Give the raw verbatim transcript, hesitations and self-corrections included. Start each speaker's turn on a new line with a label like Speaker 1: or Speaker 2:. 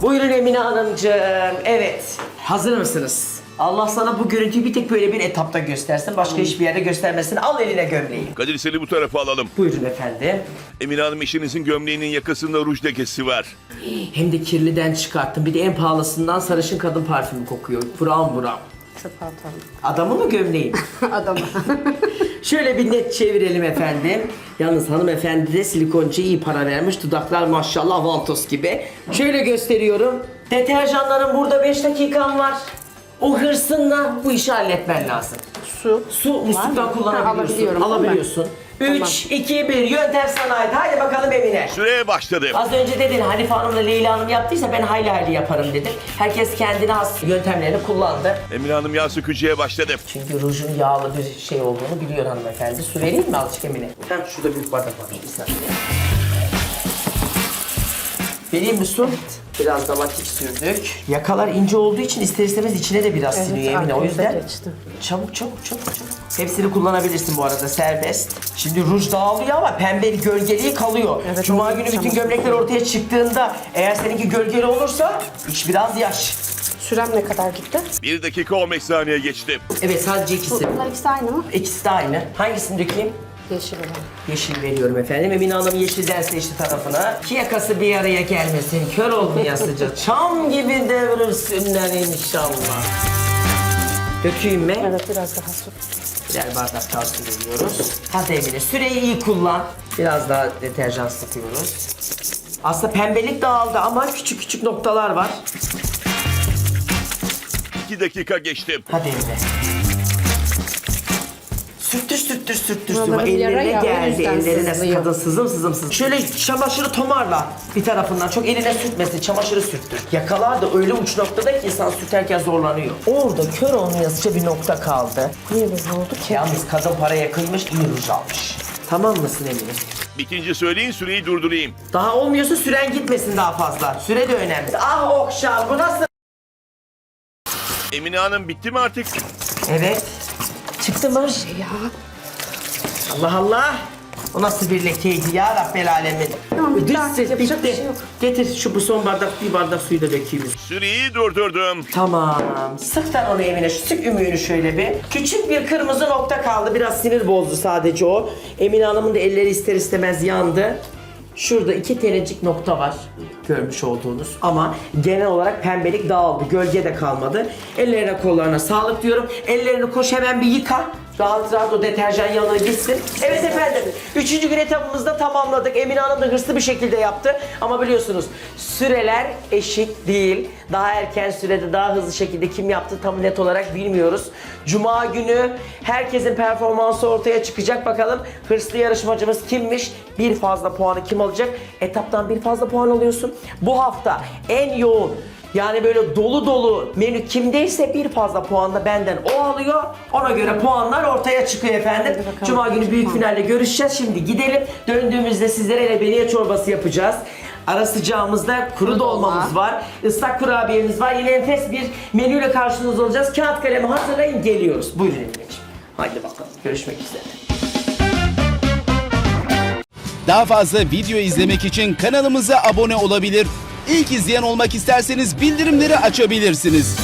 Speaker 1: Buyurun Emine Hanımcığım. Evet. Hazır mısınız? Allah sana bu görüntüyü bir tek böyle bir etapta göstersin. Başka hiçbir yerde göstermesin. Al eline gömleği.
Speaker 2: Kadir seni bu tarafa alalım.
Speaker 1: Buyurun efendim.
Speaker 2: Emine Hanım eşinizin gömleğinin yakasında ruj lekesi var.
Speaker 1: Hem de kirliden çıkarttım. Bir de en pahalısından sarışın kadın parfümü kokuyor. Buram buram.
Speaker 3: Çöpe atalım.
Speaker 1: Adamı mı gömleği?
Speaker 3: Adamı.
Speaker 1: Şöyle bir net çevirelim efendim. Yalnız hanımefendi de silikoncuya iyi para vermiş. Dudaklar maşallah vantos gibi. Şöyle gösteriyorum. Deterjanların burada beş dakikan var. O hırsınla bu işi halletmen lazım.
Speaker 3: Su.
Speaker 1: Su musluktan kullanabiliyorsun.
Speaker 3: Alabiliyorum,
Speaker 1: Alabiliyorsun. üç, iki, bir. Yöntem sana ait. Haydi bakalım Emine.
Speaker 2: Süreye başladı.
Speaker 1: Az önce dedin Hanife Hanım'la Leyla Hanım yaptıysa ben hayli hayli yaparım dedim. Herkes kendine has yöntemlerini kullandı.
Speaker 2: Emine Hanım yağ sökücüye başladı.
Speaker 1: Çünkü rujun yağlı bir şey olduğunu biliyor hanımefendi. Su vereyim mi azıcık Emine? Hem şurada büyük bardak var. Bir saniye. Vereyim mi su? Biraz da vakit sürdük. Yakalar ince olduğu için ister istemez içine de biraz siniyor Emine. O yüzden
Speaker 3: geçti.
Speaker 1: çabuk çabuk çabuk çabuk. Hepsini kullanabilirsin bu arada, serbest. Şimdi ruj dağılıyor ama pembe bir gölgeliği kalıyor.
Speaker 3: Evet,
Speaker 1: Cuma
Speaker 3: onu
Speaker 1: günü bütün
Speaker 3: yapacağım.
Speaker 1: gömlekler ortaya çıktığında eğer seninki gölgeli olursa iç biraz yaş.
Speaker 3: Sürem ne kadar gitti?
Speaker 2: Bir dakika on beş saniye geçti.
Speaker 1: Evet, sadece ikisi.
Speaker 3: Bunlar ikisi aynı mı?
Speaker 1: İkisi de aynı. Hangisini dökeyim?
Speaker 3: Yeşil olan.
Speaker 1: Yeşil veriyorum efendim. Emine Hanım yeşilden seçti tarafına. İki yakası bir araya gelmesin, kör olmayasıca. Çam gibi devrilsinler inşallah. Dökeyim mi?
Speaker 3: Evet, biraz daha su.
Speaker 1: Birer bardak daha su veriyoruz. Hadi Emine, süreyi iyi kullan. Biraz daha deterjan sıkıyoruz. Aslında pembelik dağıldı ama küçük küçük noktalar var.
Speaker 2: iki dakika geçti.
Speaker 1: Hadi Emine. Sürttür sürttür sürttür sürttür.
Speaker 3: Vallahi yara
Speaker 1: Ellerine
Speaker 3: ya, o
Speaker 1: geldi.
Speaker 3: yüzden
Speaker 1: Ellerine
Speaker 3: sızlıyor.
Speaker 1: kadın sızım sızım sızım. Şöyle çamaşırı tomarla bir tarafından. Çok eline sürtmesin. Çamaşırı sürttür. Yakalar da öyle uç noktada ki insan sürterken zorlanıyor. Orada kör olmayasıca bir nokta kaldı.
Speaker 3: Niye böyle oldu ki?
Speaker 1: Yalnız kadın paraya kıymış, iyi ruj almış. Tamam mısın Emine?
Speaker 2: Bitince söyleyin süreyi durdurayım.
Speaker 1: Daha olmuyorsa süren gitmesin daha fazla. Süre de önemli. Ah Okşan, bu nasıl?
Speaker 2: Emine Hanım bitti mi artık?
Speaker 1: Evet. Çıktı mı?
Speaker 3: Ya.
Speaker 1: Allah Allah. O nasıl bir lekeydi ya Rabbel Alemin.
Speaker 3: Tamam, bitti
Speaker 1: Düz
Speaker 3: artık,
Speaker 1: ses,
Speaker 3: yapacak
Speaker 1: bitti.
Speaker 3: bir şey yok.
Speaker 1: Getir şu bu son bardak, bir bardak suyu da dökeyim.
Speaker 2: Süreyi durdurdum.
Speaker 1: Tamam. Sık sen onu Emine. Sık ümüğünü şöyle bir. Küçük bir kırmızı nokta kaldı. Biraz sinir bozdu sadece o. Emine Hanım'ın da elleri ister istemez yandı. Şurada iki tanecik nokta var. Görmüş olduğunuz. Ama genel olarak pembelik dağıldı. Gölge de kalmadı. Ellerine kollarına sağlık diyorum. Ellerini koş hemen bir yıka. Rahat rahat o deterjan yanına gitsin. Evet efendim. Üçüncü gün etabımızda tamamladık. Emine Hanım da hırslı bir şekilde yaptı. Ama biliyorsunuz süreler eşit değil. Daha erken sürede daha hızlı şekilde kim yaptı tam net olarak bilmiyoruz. Cuma günü herkesin performansı ortaya çıkacak. Bakalım hırslı yarışmacımız kimmiş? Bir fazla puanı kim alacak? Etaptan bir fazla puan alıyorsun. Bu hafta en yoğun, yani böyle dolu dolu menü kimdeyse bir fazla puan da benden o alıyor. Ona göre puanlar ortaya çıkıyor efendim.
Speaker 3: bakalım.
Speaker 1: Cuma günü büyük finalde görüşeceğiz. Şimdi gidelim. Döndüğümüzde sizlere lebeniye çorbası yapacağız. Ara sıcağımızda kuru dolmamız var. Islak kurabiyemiz var. Yine enfes bir menüyle karşınızda olacağız. Kağıt kalemi hazırlayın, geliyoruz. Buyurun Emine'ciğim. Haydi bakalım. Görüşmek üzere.
Speaker 4: Daha fazla video izlemek için kanalımıza abone olabilir. İlk izleyen olmak isterseniz bildirimleri açabilirsiniz.